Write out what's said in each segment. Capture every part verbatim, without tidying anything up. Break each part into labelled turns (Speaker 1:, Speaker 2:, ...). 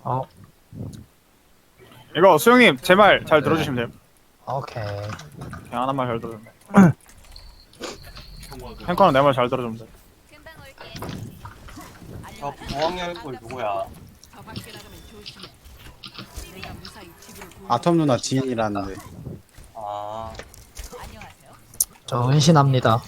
Speaker 1: 어,
Speaker 2: 이거 수영님 제 말 잘 들어주시면 돼요.
Speaker 1: 오케이.
Speaker 2: 그냥 하나만 잘 들어주면 돼. 탱커는 내 말 잘 들어주면 돼.
Speaker 3: 저 부엉이 꼴 누구야?
Speaker 4: 아톰 누나 지인이라는데.
Speaker 3: 아,
Speaker 1: 저 은신합니다.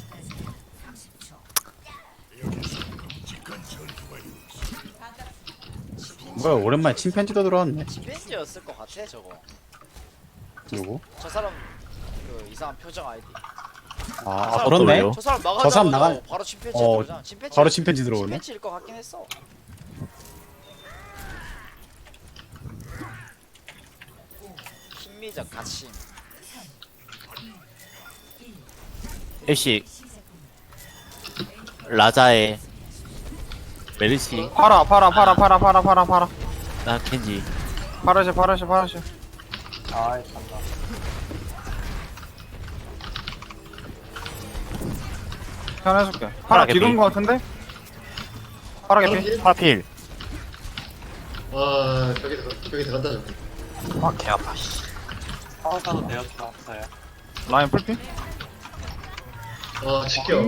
Speaker 4: 뭐야 오랜만에 침팬지도 들어왔네.
Speaker 5: 침팬지였을 것 같아 저거.
Speaker 4: 누구?
Speaker 5: 저 사람 그 이상한 표정 아이디.
Speaker 4: 아, 아 그렇네.
Speaker 5: 저 사람
Speaker 4: 저 사람
Speaker 5: 나가자마자
Speaker 4: 나간-
Speaker 5: 바로 침팬지
Speaker 4: 어,
Speaker 5: 들어오잖아. 침팬지.
Speaker 4: 바로 침팬지 들어오네.
Speaker 5: 침팬지일 것 같긴 했어. 심미적 가심.
Speaker 6: 애쉬 라자의 메르시
Speaker 2: 팔아 팔아 팔아 팔아 팔아 팔아 팔아
Speaker 6: 나 켄지
Speaker 2: 파라시 파라시 파라시.
Speaker 3: 아이 참나.
Speaker 2: 편해줄게.
Speaker 6: 파라
Speaker 2: 파라
Speaker 6: 개피.
Speaker 2: 뒤도는 거 같은데? 파라 개피.
Speaker 6: 파필
Speaker 7: 와 저기 저기 들어간다 저기.
Speaker 1: 아, 개 아파, 씨.
Speaker 3: 파워사도 내어 들어왔어요.
Speaker 2: 라인 풀피.
Speaker 7: 와 지켜.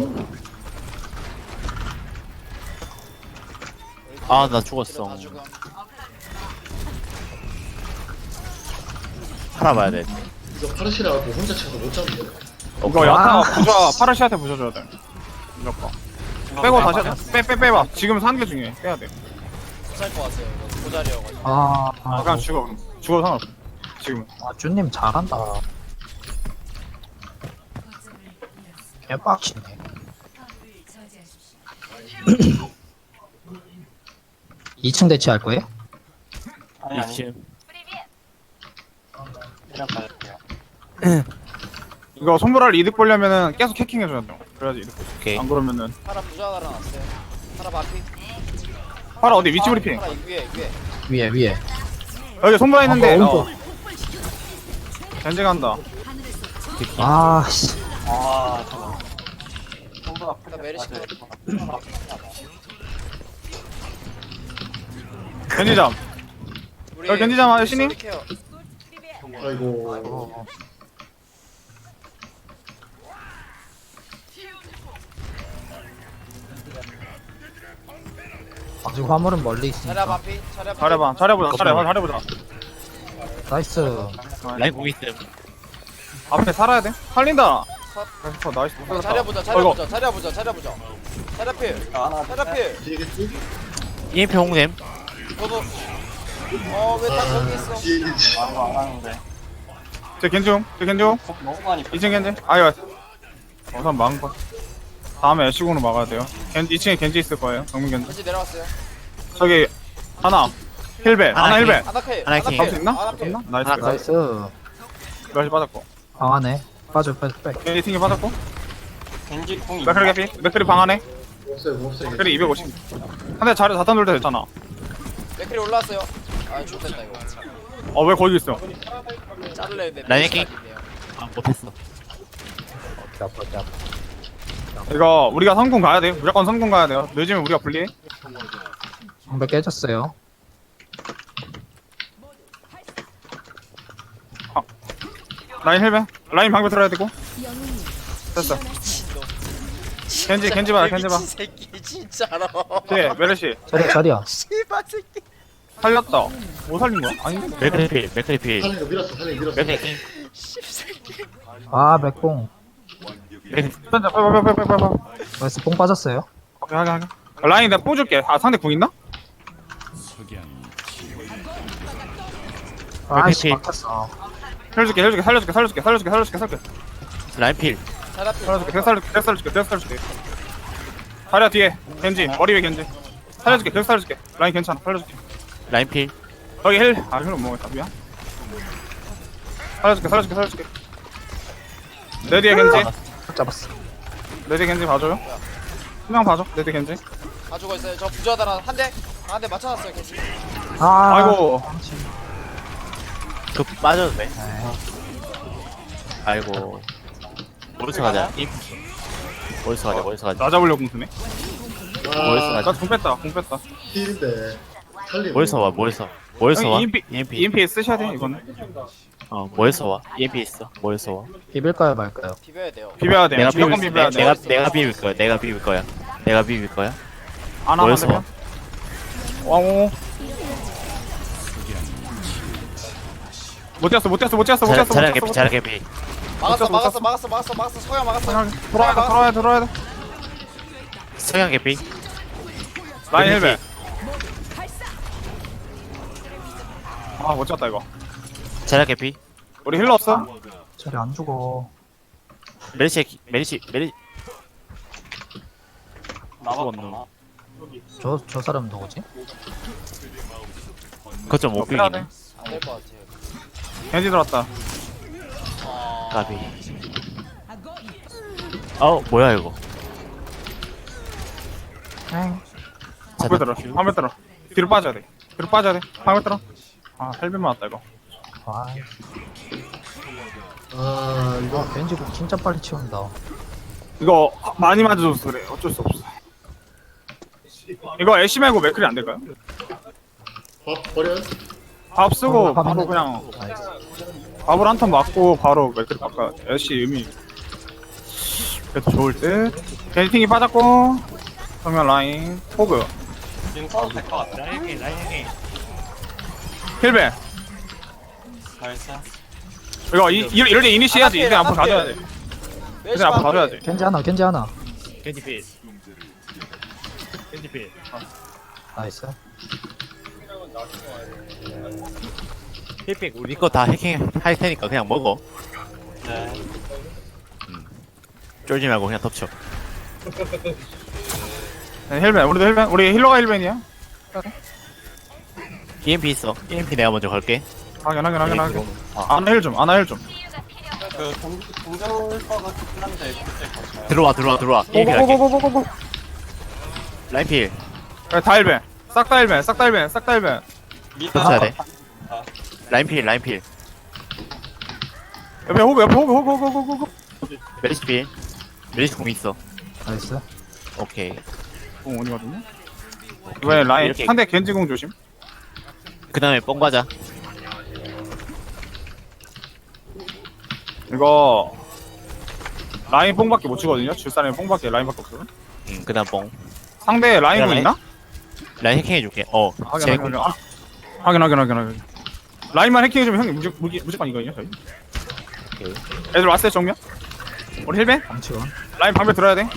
Speaker 6: 아 나 죽었어
Speaker 5: 다 죽음.
Speaker 6: 살아봐야 돼
Speaker 7: 이거 파르시라고 혼자 차서 못 잡는데.
Speaker 2: 이거 야타 부자 파라시한테 부셔줘야 돼. 무조건. 빼고 다시 하자. 빼 빼 빼봐. 지금 산게 중요해. 빼야 돼.
Speaker 5: 못살것 같아요. 이거 고자리여가지고.
Speaker 1: 아,
Speaker 2: 아,
Speaker 1: 아,
Speaker 2: 그냥 죽어. 죽어도 상관없어. 지금.
Speaker 1: 아, 쭈님 잘한다. 개 빡치네. 이 층 대치할 거예요?
Speaker 3: 아니 아니.
Speaker 6: 이층
Speaker 3: 그냥 가릴게요.
Speaker 2: 이거 손보라를 이득 보려면은 계속 해킹 해줘야 돼. 그래야지 이득 보지.
Speaker 6: 오케이
Speaker 2: 안 그러면은
Speaker 5: 파라 부자 달아놨어요. 파라 바피.
Speaker 2: 파라 어디 위치 브리핑.
Speaker 5: 파라 위에 위에.
Speaker 1: 위에, 위에.
Speaker 2: 여기 손보라 있는데.
Speaker 1: 어,
Speaker 2: 어. 견제 간다.
Speaker 1: 아, 씨.
Speaker 3: 아 저거. 손보다
Speaker 5: 나 메르시 컷.
Speaker 2: 견지잠.
Speaker 5: 우리
Speaker 2: 여기 견디자, 아저씨님?
Speaker 5: 우리 케어.
Speaker 7: 아이고.
Speaker 1: 아직 화물은 멀리
Speaker 5: 차려
Speaker 1: 있으니까.
Speaker 5: 바피. 차려 바피.
Speaker 2: 잘해봐. 잘해보자. 잘해봐. 잘해보자.
Speaker 1: 나이스.
Speaker 6: 라인 공 있음
Speaker 2: 앞에 살아야 돼. 살린다.
Speaker 5: 컷.
Speaker 2: 그래서 나이스.
Speaker 5: 어, 차려보자.
Speaker 2: 어, 이거.
Speaker 5: 차려보자. 차려보자. 차려보자. 차려필.
Speaker 3: 하나
Speaker 5: 차려필.
Speaker 7: 뒤에겠지?
Speaker 6: 이엠피 홍냄
Speaker 5: 너도. 어왜 딱 거기 있어?
Speaker 7: 뒤에겠지.
Speaker 3: 이거 안 하는데.
Speaker 2: 제 겐중. 제 겐중.
Speaker 3: 너무 많이.
Speaker 2: 이 층 겐지. 아유. 우선 막은 거. 다음에 애쉬군으로 막아야 돼요. 겐지, 이 층에 겐지 있을 거예요. 정문 겐지.
Speaker 5: 겐지 내려왔어요.
Speaker 2: 저기 하나. 힐벨. 하나
Speaker 6: 하나
Speaker 2: 힐벨.
Speaker 5: 아나필.
Speaker 6: 하나
Speaker 2: 잡을 수 있나?
Speaker 5: 아나필.
Speaker 2: 있나? 나이스.
Speaker 6: 하나
Speaker 2: 나이스.
Speaker 1: 나이스.
Speaker 2: 몇시 빠졌고.
Speaker 1: 방안에. 빠져, 빠져, 빠져.
Speaker 2: 겐지 튕기 빠졌고.
Speaker 3: 겐지 궁이.
Speaker 2: 맥크리 개피. 맥크리 방 안에.
Speaker 7: 없어요 뭐 없어요.
Speaker 2: 맥크리 이백오십. 한대 자리 자탄 돌때 됐잖아.
Speaker 5: 맥클이 올라왔어요. 아 죽겠다 이거.
Speaker 2: 어, 왜 거기 있어?
Speaker 5: 자를래 했는데.
Speaker 6: 라인 해킹?
Speaker 5: 아니네요.
Speaker 6: 아 못했어
Speaker 1: 개 아파, 개 아파.
Speaker 2: 이거 우리가 성공 가야 돼. 무조건 성공 가야 돼요. 늦으면 우리가 불리해.
Speaker 1: 방벽 깨졌어요.
Speaker 2: 라인 힐벨. 라인 방벽 들어야 되고. 됐어.
Speaker 5: 미친놈.
Speaker 2: 겐지, 겐지 봐요, 겐지 봐.
Speaker 5: 미친 새끼 진짜로.
Speaker 2: 뒤에 메르시.
Speaker 1: 자리야, 자리야.
Speaker 5: 씨발 새끼.
Speaker 2: 살렸다. 뭐 살린 거야? 아니.
Speaker 6: 맥크리필 맥크리필
Speaker 7: 살린 거 밀었어 살린 거 밀었어.
Speaker 6: 맥크리
Speaker 5: 씹새끼.
Speaker 1: 아, 맥봉.
Speaker 6: 맥크리
Speaker 2: 던져. 빨리 빨리 빨리 빨리 빨리.
Speaker 1: 나이스, 뽕 빠졌어요.
Speaker 2: 오케이, 하게 하게. 라인 내가 뽑아줄게. 아, 상대 궁 있나?
Speaker 1: 아이씨,
Speaker 6: 맥크리.
Speaker 1: 막혔어.
Speaker 2: 살려줄게, 살려줄게, 살려줄게, 살려줄게, 살려줄게, 살려줄게, 살려줄게.
Speaker 6: 라인필
Speaker 5: 자라필.
Speaker 2: 살려줄게, 계속 살려줄게, 계속 살려줄게, 계속 살려줄게. 다리야 뒤에. 겐지. 머리 위에 겐지. 살려줄게, 계속 살려줄게. 라인 괜찮아. 살려줄게.
Speaker 6: 라인필
Speaker 2: 여기 힐. 아, 힐은 뭐겠다. 미안. 살려줄게, 살려줄게, 살려줄게. 내 뒤에 겐지.
Speaker 1: 잡았어.
Speaker 2: 내 뒤에 겐지 봐줘요. 한명 봐줘. 내 뒤에 겐지.
Speaker 5: 가지고 있어요. 저 부자다라 한 대. 한 대 맞춰놨어요 겐지.
Speaker 1: 아,
Speaker 2: 아이고.
Speaker 6: 그 빠져도 돼 아이고 어디서 가자 임 어디서 가자 어디서 가자
Speaker 2: 나 잡으려고 궁수네.
Speaker 6: 어디서
Speaker 7: 아
Speaker 6: 가자
Speaker 2: 나궁 뺐다, 궁 뺐다.
Speaker 7: 힐인데 살리고.
Speaker 6: 어디서 와 어디서 뭐에서 와?
Speaker 2: 이엠피
Speaker 6: 이엠피.
Speaker 2: 이엠피 쓰셔야 돼 이거는.
Speaker 6: 어, 뭐에서 와? 이엠피 있어. 뭐에서 와?
Speaker 1: 비빌까요 말까요?
Speaker 5: 비벼야 돼요.
Speaker 2: 비벼야 돼.
Speaker 6: 내가
Speaker 2: 무조건
Speaker 6: 비빌
Speaker 2: 비벼야
Speaker 6: 내,
Speaker 2: 돼.
Speaker 6: 내가 내가 비빌 거야. 내가 비빌 거야. 내가 비빌 거야.
Speaker 2: 안 하면
Speaker 6: 뭐에서 와?
Speaker 2: 되면. 왕오. 못 뛰었어 못 뛰었어 못 뛰었어 못
Speaker 6: 잘
Speaker 2: 뛰었어.
Speaker 6: 잘하게 비 잘하게 비.
Speaker 5: 막았어
Speaker 2: 못
Speaker 5: 막았어
Speaker 2: 쳤어.
Speaker 5: 막았어 막았어 막았어 서야 막았어.
Speaker 2: 돌아야 돼 돌아야 돼 돌아야 돼.
Speaker 6: 성향 개피.
Speaker 2: 라인 헬멧. 아못 쳤다 이거.
Speaker 6: 잘하게 비.
Speaker 2: 우리 힐러 없어?
Speaker 1: 저리 안 죽어.
Speaker 6: 메리시 메리시 메리.
Speaker 3: 나왔구나.
Speaker 1: 저 저 사람 누구지?
Speaker 6: 거점 못
Speaker 2: 빼야 돼.
Speaker 6: 비기네.
Speaker 5: 안될 것 같아요.
Speaker 2: 겐지 들어왔다.
Speaker 5: 아,
Speaker 6: 가비. 어 뭐야 이거?
Speaker 1: 엥.
Speaker 2: 화면 들어. 화면 들어. 뒤로 빠져야 돼. 뒤로 빠져야 돼. 화면 들어. 아 헬멧 맞았다 이거.
Speaker 1: 아,
Speaker 7: 아 이거
Speaker 1: 아 벤지국 진짜 빨리 치운다.
Speaker 2: 이거 많이 맞아줘서 그래. 어쩔 수 없어. 이거 애쉬 말고 맥클이 안 될까요?
Speaker 7: 밥 버려요?
Speaker 2: 밥 쓰고
Speaker 1: 어, 밥
Speaker 2: 바로
Speaker 1: 있네.
Speaker 2: 그냥
Speaker 1: 나이스.
Speaker 2: 밥을 한 턴 맞고 바로 맥클 바꿔. 애쉬 의미. 그래도 좋을 듯. 겐팅이 빠졌고 정면 라인 호그
Speaker 3: 지금 써도 될 것 같아.
Speaker 6: 라인 라인.
Speaker 2: 힐베.
Speaker 3: 나이스.
Speaker 2: 이거 이, 이- 이럴 때 이니시 해야지. 이제 앞으로 가져야 돼.
Speaker 5: 멜시
Speaker 2: 이제 앞으로 가져야 돼.
Speaker 1: 겐지 하나 겐지 하나.
Speaker 6: 겐지 필. 겐지 필.
Speaker 1: 나이스.
Speaker 6: 힐백 우리 거 다 해킹 할 테니까 그냥 먹어.
Speaker 3: 네.
Speaker 6: 쫄지 말고 그냥 덮쳐.
Speaker 2: 네, 힐벤. 우리도 힐벤. 우리 힐러가 힐벤이야.
Speaker 6: 이엠피 있어. 이엠피 내가 먼저 걸게.
Speaker 2: 확인 확인 확인 확인.
Speaker 6: 아,
Speaker 2: 아나 힐 좀. 아나 힐 좀.
Speaker 3: 그 동, 동전 거가 좋긴 한데 그때 거쳐요.
Speaker 6: 들어와 들어와 들어와. 이엠피 갈게.
Speaker 2: 고고고고고고.
Speaker 6: 라인 필.
Speaker 2: 다 힐벤. 싹 다 힐벤. 싹 다 힐벤. 싹 다 힐벤.
Speaker 3: 미드
Speaker 6: 덮쳐야 돼.
Speaker 3: 아,
Speaker 6: 라인 필 라인 필.
Speaker 2: 옆에 호그 옆에 호그 호그 호그 호그 호그.
Speaker 6: 메리시 필. 메리시 공 있어.
Speaker 1: 나이스.
Speaker 6: 오케이.
Speaker 2: 공 원이거든요. 이번에 라인
Speaker 6: 이렇게.
Speaker 2: 상대 겐지공 조심.
Speaker 6: 그 다음에 뽕 과자.
Speaker 2: 이거 라인 뽕밖에 못 치거든요. 줄사람이 뽕밖에 라인밖에 없어.
Speaker 6: 응, 그 다음 뽕.
Speaker 2: 상대 라인공
Speaker 6: 라인?
Speaker 2: 있나?
Speaker 6: 라인 해킹 해줄게. 어.
Speaker 2: 확인
Speaker 6: 제
Speaker 2: 확인 확인. 아, 확인 확인 확인 확인. 라인만 해킹해주면 형님 무조, 무기, 무조건 이거든요 저희.
Speaker 6: 오케이.
Speaker 2: 애들 왔어요 정면. 우리 힐벤?
Speaker 1: 방치원.
Speaker 2: 라인 방패 들어야 돼.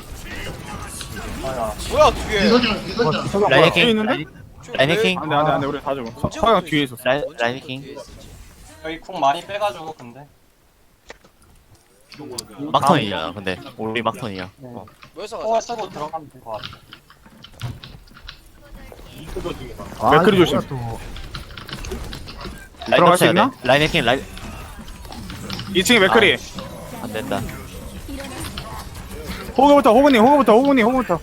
Speaker 5: 뭐야 뒤에.
Speaker 7: 비서장 비서장
Speaker 1: 저기
Speaker 6: 라인
Speaker 2: 뒤에
Speaker 6: 해킹.
Speaker 2: 있는데?
Speaker 6: 라인, 라인 해킹.
Speaker 2: 안돼 안돼 안돼 우리 다 죽어. 서- 서양 뒤에 있었어.
Speaker 6: 라인 라인 해킹.
Speaker 3: 여기 쿵 많이 빼가지고 근데
Speaker 6: 막턴이야. 근데 우리 막턴이야. 어.
Speaker 5: 모여서
Speaker 3: 콩을
Speaker 5: 가자.
Speaker 3: 쓰고 들어가면 될 것 같아.
Speaker 1: 아,
Speaker 2: 맥크리
Speaker 1: 이거
Speaker 2: 조심.
Speaker 1: 또
Speaker 6: 라인
Speaker 2: 들어갈 수
Speaker 6: 덮쳐야
Speaker 2: 있나?
Speaker 6: 돼. 라인 해킹 라인
Speaker 2: 이 층에 맥크리.
Speaker 6: 안 된다.
Speaker 2: 호그부터 호그님 호그부터 호그님 호그부터.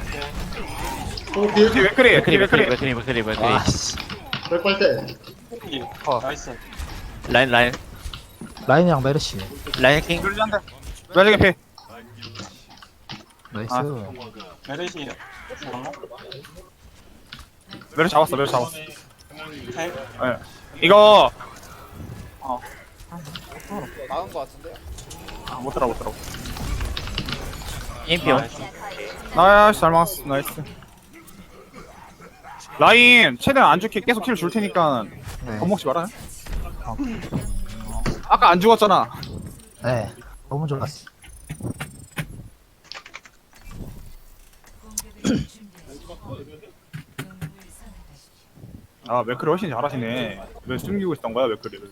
Speaker 7: 오 뒤에
Speaker 2: 뒤에 맥크리. 뒤에
Speaker 6: 맥크리 맥크리
Speaker 2: 맥크리.
Speaker 6: 맥크리 맥크리 맥크리.
Speaker 1: 아씨.
Speaker 7: 빨빨대
Speaker 3: 이, 나이스.
Speaker 6: 라인 라인
Speaker 1: 라인이랑 메르시.
Speaker 6: 라인 해킹.
Speaker 2: 둘이 한대. 매직의 피.
Speaker 1: 나이스.
Speaker 2: 아.
Speaker 3: 메르시 죽었나?
Speaker 2: 매를 잡았어 매를 잡았어.
Speaker 3: 네.
Speaker 2: 예. 이거
Speaker 5: 막은 것 같은데요.
Speaker 2: 아, 못 들어 못 들어.
Speaker 6: 이엠피 온.
Speaker 2: 나이스 잘 막았어 나이스. 라인 최대한 안 죽게 계속 킬 줄 테니까
Speaker 1: 네.
Speaker 2: 겁먹지 말아요. 아까 안 죽었잖아.
Speaker 1: 네. 너무 좋았어.
Speaker 2: 아 맥크리 훨씬 잘하시네. 왜 숨기고 있었던 거야 맥크리를?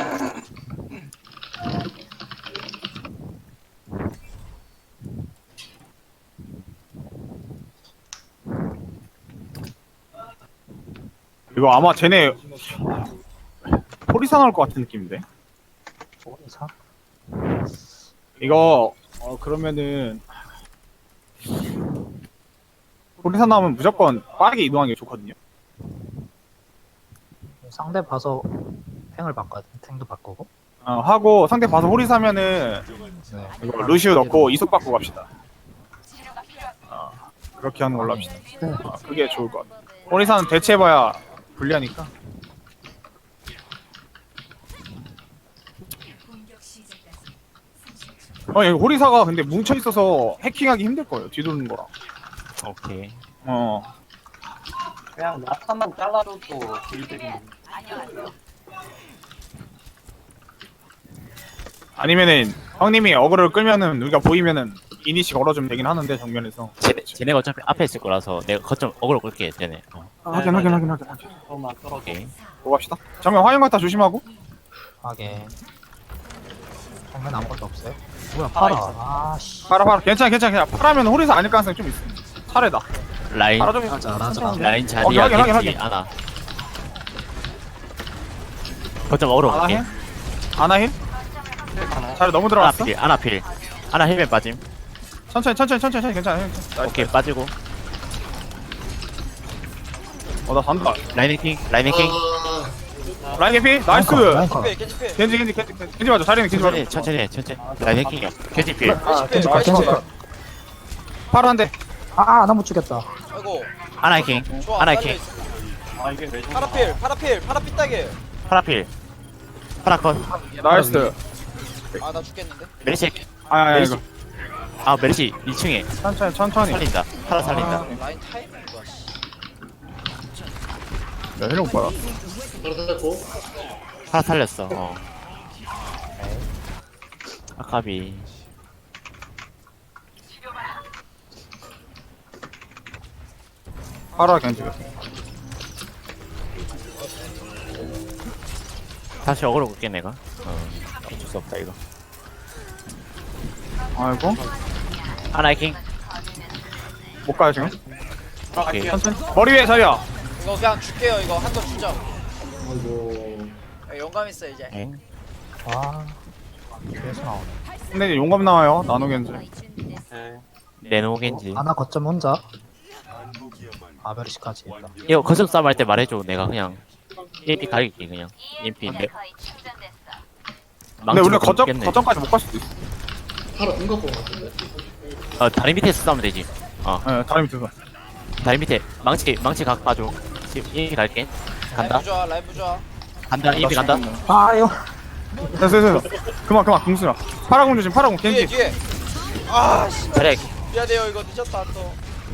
Speaker 2: 이거 아마 쟤네 포리사 나올 것 같은 느낌인데.
Speaker 1: 사?
Speaker 2: 이거 어 그러면은 포리사 나오면 무조건 빠르게 이동하는 게 좋거든요.
Speaker 1: 상대 봐서 탱을 바꿔야 돼. 탱도 바꾸고.
Speaker 2: 어, 하고 상대 봐서 호리사면은
Speaker 1: 네.
Speaker 2: 이거 루시우 넣고 이속 받고 갑시다. 어, 그렇게 하는 걸로 합시다. 어, 그게 좋을 것 같아. 호리사는 대체해봐야 불리하니까. 어, 여기 호리사가 근데 뭉쳐 있어서 해킹하기 힘들 거예요. 뒤도는 거랑.
Speaker 6: 오케이.
Speaker 2: 어.
Speaker 3: 그냥 나타만 잘라줘도 딜들이
Speaker 2: 아니면은 형님이 어그를 끌면은 우리가 보이면은 이니시 걸어주면 되긴 하는데 정면에서.
Speaker 6: 쟤네, 쟤네가 어차피 앞에 있을 거라서 내가 거점 어그로 끌게 쟤네. 어,
Speaker 2: 아, 확인 확인 확인 확인 확인.
Speaker 3: 조금만 떨어져.
Speaker 6: 오케이.
Speaker 2: 보고 갑시다. 정면 화염 같다 조심하고.
Speaker 1: 하게. 정면 아무것도 없어요? 뭐야 팔아.
Speaker 3: 아,
Speaker 1: 아씨.
Speaker 2: 파라 파라 괜찮아 괜찮아 괜찮아. 파라면 호리사 아닐 가능성이 좀 있어. 차례다.
Speaker 6: 라인
Speaker 2: 파라 좀.
Speaker 1: 하자 하자.
Speaker 6: 라인
Speaker 2: 어,
Speaker 6: 자리야
Speaker 2: 확인, 확인,
Speaker 6: 겐지
Speaker 2: 확인.
Speaker 6: 아나. 거점 어그로
Speaker 2: 아나
Speaker 6: 갈게.
Speaker 2: 힐? 아나 힐?
Speaker 3: 하나.
Speaker 2: 차례 너무
Speaker 6: 아나
Speaker 2: 들어갔어.
Speaker 6: 필 아나 필. 아나 힐맨 빠짐.
Speaker 2: 천천히 천천히 천천히 천천히 괜찮아. 괜찮아.
Speaker 6: 오케이 빠지고.
Speaker 2: 어나 산다.
Speaker 6: 라인 해킹 라인 해킹.
Speaker 7: 아,
Speaker 2: 라인 개피 나이스.
Speaker 1: 라인 컷.
Speaker 5: 겐지 겐지 필
Speaker 2: 겐지 겐지 겐지 겐지 맞아. 자리는 겐지 맞아.
Speaker 6: 천천히 천천히 천천히. 라인 해킹이야. 겐지 필.
Speaker 5: 겐지 필
Speaker 1: 겐지 컷, 겐지 컷.
Speaker 2: 파라 한 대.
Speaker 1: 아, 나 못 죽였다.
Speaker 5: 아이고
Speaker 6: 아나 해킹.
Speaker 5: 좋아
Speaker 6: 아나
Speaker 5: 빨리.
Speaker 6: 해킹.
Speaker 3: 아 이게 왜 좋나?
Speaker 5: 파라필 파라필 파라필 따게
Speaker 6: 파라 필. 파라 컷.
Speaker 2: 나이스.
Speaker 5: 아 나 죽겠는데
Speaker 6: 메르시 해킹.
Speaker 2: 아야
Speaker 6: 메르시.
Speaker 2: 이거.
Speaker 6: 아 메르시 이 층에
Speaker 2: 천천히 천천히.
Speaker 6: 살린다. 파라 살린다.
Speaker 5: 라인 타이밍 좋아 씨.
Speaker 2: 야 힐 오빠라.
Speaker 7: 바로 살렸고.
Speaker 6: 파라 살렸어. 어. 아카비.
Speaker 2: 파라 겐지.
Speaker 6: 다시 어그로 끌게 내가. 어. 어쩔 수 없다 이거.
Speaker 2: 아이고
Speaker 6: 아나 해킹.
Speaker 2: 못 가요 지금.
Speaker 3: 들어갈게요.
Speaker 2: 천천히. 머리 위에 자리야.
Speaker 5: 이거 그냥 줄게요 이거 한 번 주죠
Speaker 7: 아이고.
Speaker 5: 야, 영감 있어 이제
Speaker 6: 엥.
Speaker 1: 아. 그래서 나오네.
Speaker 2: 근데 이제 용감 나와요. 나노 겐지.
Speaker 3: 오케이.
Speaker 6: 레노 겐지.
Speaker 1: 하나 거점 혼자. 아베르시까지 있다.
Speaker 6: 이거 거점 싸움 할 때 말해줘. 내가 그냥 이엠피 가릴게 그냥. 이엠피 내.
Speaker 2: 근데 우리가 거점
Speaker 6: 겠네.
Speaker 2: 거점까지 못 갈 수도 있어.
Speaker 7: 바로 눈 갖고 같은데.
Speaker 6: 어 다리 밑에서 싸우면 되지. 어
Speaker 2: 예, 다리 밑에서.
Speaker 6: 다리 밑에 망치 망치 각 봐줘. 지금 이엠피 갈게. 간다.
Speaker 5: 라인 부좋아 라인 부좋아
Speaker 6: 간다. 이엠피 간다.
Speaker 1: 아유.
Speaker 2: 됐어 됐어. 됐어. 그만 그만 궁수라. 파라공 조심. 파라공
Speaker 5: 뒤에
Speaker 2: 겐지.
Speaker 5: 뒤에 아씨
Speaker 6: 자리.
Speaker 5: 미안해요 이거 늦었다 또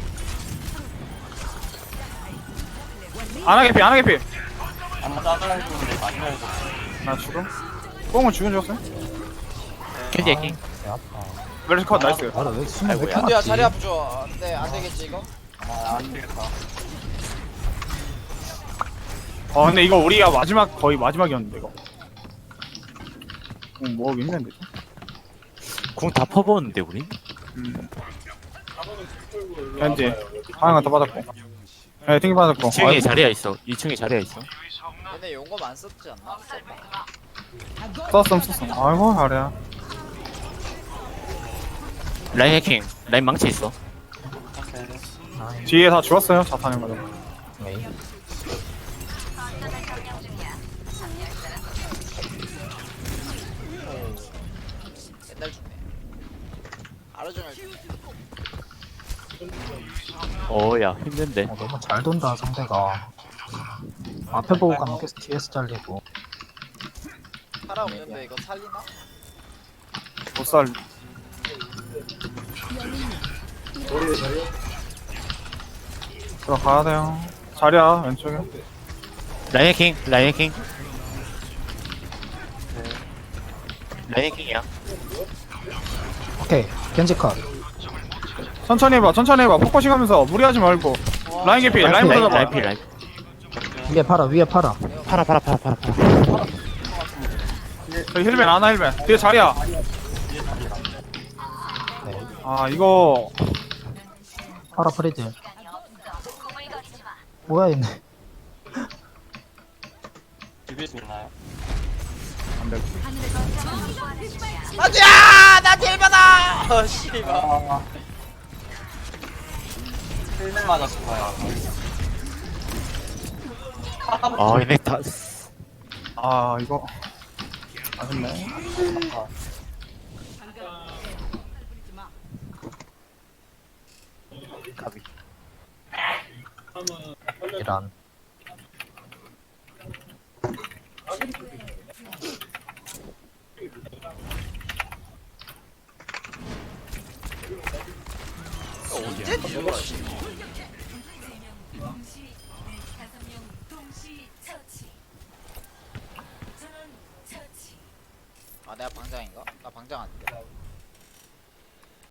Speaker 2: 안하 개피 안하 개피.
Speaker 3: 하나 잘라야 되는데 마지막에
Speaker 2: 나 죽음. 뽕은 죽은 줄 알았어요.
Speaker 6: 겐지 해킹.
Speaker 1: 배 아파.
Speaker 2: 멜시 컷 나이스.
Speaker 1: 나를 왜 숨을 왜 이렇게
Speaker 5: 안돼야
Speaker 1: 맞지?
Speaker 5: 자리 아프죠 안돼 안되겠지 이거
Speaker 3: 아안 되겠다.
Speaker 2: 어 근데 이거 우리가 마지막 거의 마지막이었는데 이거. 응, 뭐 하기 힘든데.
Speaker 6: 궁 다 퍼부었는데 우리?
Speaker 2: 음. 겐지. 하나가 더 받았고. 예, 튕기 받았고.
Speaker 6: 이 층에
Speaker 2: 아이고.
Speaker 6: 자리야 있어. 이 층에 자리야 있어.
Speaker 5: 얘네 용검 안 썼지 않나?
Speaker 2: 썼음 썼음. 아이고 잘해야.
Speaker 6: 라인 해킹. 라인 망치 있어.
Speaker 3: 오케이.
Speaker 2: 뒤에 다 죽었어요. 자타는 거죠.
Speaker 1: 메이.
Speaker 5: 옛날 죽네 하루 종일 죽네
Speaker 6: 어야 힘든데.
Speaker 1: 어, 너무 잘 돈다 상대가. 앞에 보고 가면 계속 뒤에서 잘리고.
Speaker 5: 파라 없는데 이거 살리나?
Speaker 2: 못 살.
Speaker 7: 머리 위에 자리야.
Speaker 2: 들어가야 돼요. 자리야 왼쪽에.
Speaker 6: 라인 해킹. 라인 해킹. 라인 해킹이야.
Speaker 1: 오케이. 겐지 컷.
Speaker 2: 천천히 해봐. 천천히 해봐. 포커싱 하면서 무리하지 말고. 라인 개피. 라인
Speaker 6: 라인
Speaker 2: 보자
Speaker 6: 라인
Speaker 2: 봐.
Speaker 6: 라인 필 라인.
Speaker 1: 위에 팔아 위에 팔아.
Speaker 6: 파라 파라 파라 파라 파라.
Speaker 2: 저기 힐벤 아나 힐벤. 뒤에 자리야.
Speaker 1: 네.
Speaker 2: 아 이거
Speaker 1: 팔아 프리드. 뭐야 얘네.
Speaker 3: 비빌 수 있나요?
Speaker 5: 아지야 나 딜 받아 어 씨발
Speaker 3: 아. 힐맨 맞았을 거야.
Speaker 6: 아 얘네 다.
Speaker 2: 아 이거 아쉽네.
Speaker 6: 가비.
Speaker 1: 이란.
Speaker 5: 언제 죽어 씨. 아 내가 방장인가? 나 방장 아닌데